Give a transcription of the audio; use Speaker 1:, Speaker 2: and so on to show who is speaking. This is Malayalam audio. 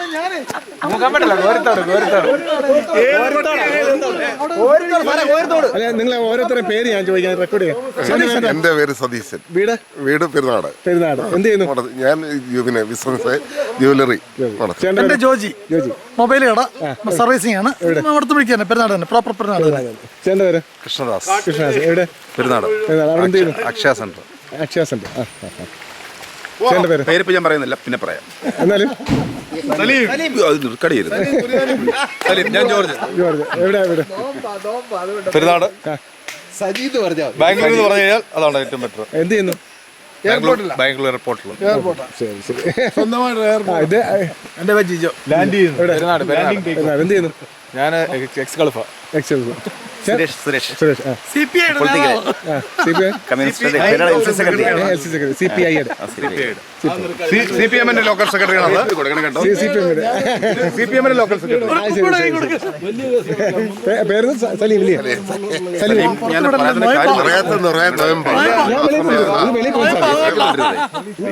Speaker 1: അല്ല നിങ്ങൾ ഓരോരുത്തരുടെ പേര് ഞാൻ ചോദിക്കാൻ റെക്കോർഡ് ചെയ്യാം.
Speaker 2: എന്റെ പേര് സതീശൻ. വീട് പെരുന്നാട്.
Speaker 1: എന്ത് ചെയ്യുന്നു?
Speaker 2: ഞാൻ പിന്നെ ബിസിനസ് ജ്വല്ലറി.
Speaker 3: എന്റെ ജോജി മൊബൈൽ കട സർവീസിംഗ് ആണ്. അടുത്ത് വിളിക്കാൻ പെരുന്നാട് തന്നെ, പ്രോപ്പർ പെരുന്നാട്.
Speaker 1: ചേട്ടൻ്റെ പേര്?
Speaker 4: കൃഷ്ണദാസ്.
Speaker 1: എവിടെ?
Speaker 4: പെരുന്നാട്.
Speaker 1: അവിടെ എന്ത് ചെയ്യുന്നു?
Speaker 4: അക്ഷയ സെന്റർ.
Speaker 1: ചേട്ടൻ്റെ പേര്?
Speaker 4: പേരിപ്പോ ഞാൻ പറയുന്നില്ല, പിന്നെ പറയാം.
Speaker 1: എന്നാലും
Speaker 4: ഞാൻ ജോർജ്.
Speaker 1: എവിടെ?
Speaker 4: പെരുന്നാട്. ബാംഗ്ലൂർ എന്ന് പറഞ്ഞു കഴിഞ്ഞാൽ അതാണ് ഏറ്റവും ബെറ്റർ.
Speaker 1: എന്ത് ചെയ്യുന്നു?
Speaker 4: ബാംഗ്ലൂർ എയർപോർട്ടിൽ.
Speaker 1: ഇത്
Speaker 3: എന്റെ ജിജോ
Speaker 1: ലാൻഡ് ചെയ്യുന്നു. എന്ത് ചെയ്യുന്നു?
Speaker 4: ഞാൻ ex Khalifa. Suresh.
Speaker 3: CPI
Speaker 4: CPM local സെക്രട്ടറിയാണ്. CPM local secretary.
Speaker 1: പേര് സലീം ഇല്ലേ? സലീം.
Speaker 2: പറയാത്ത
Speaker 1: വെളിയിൽ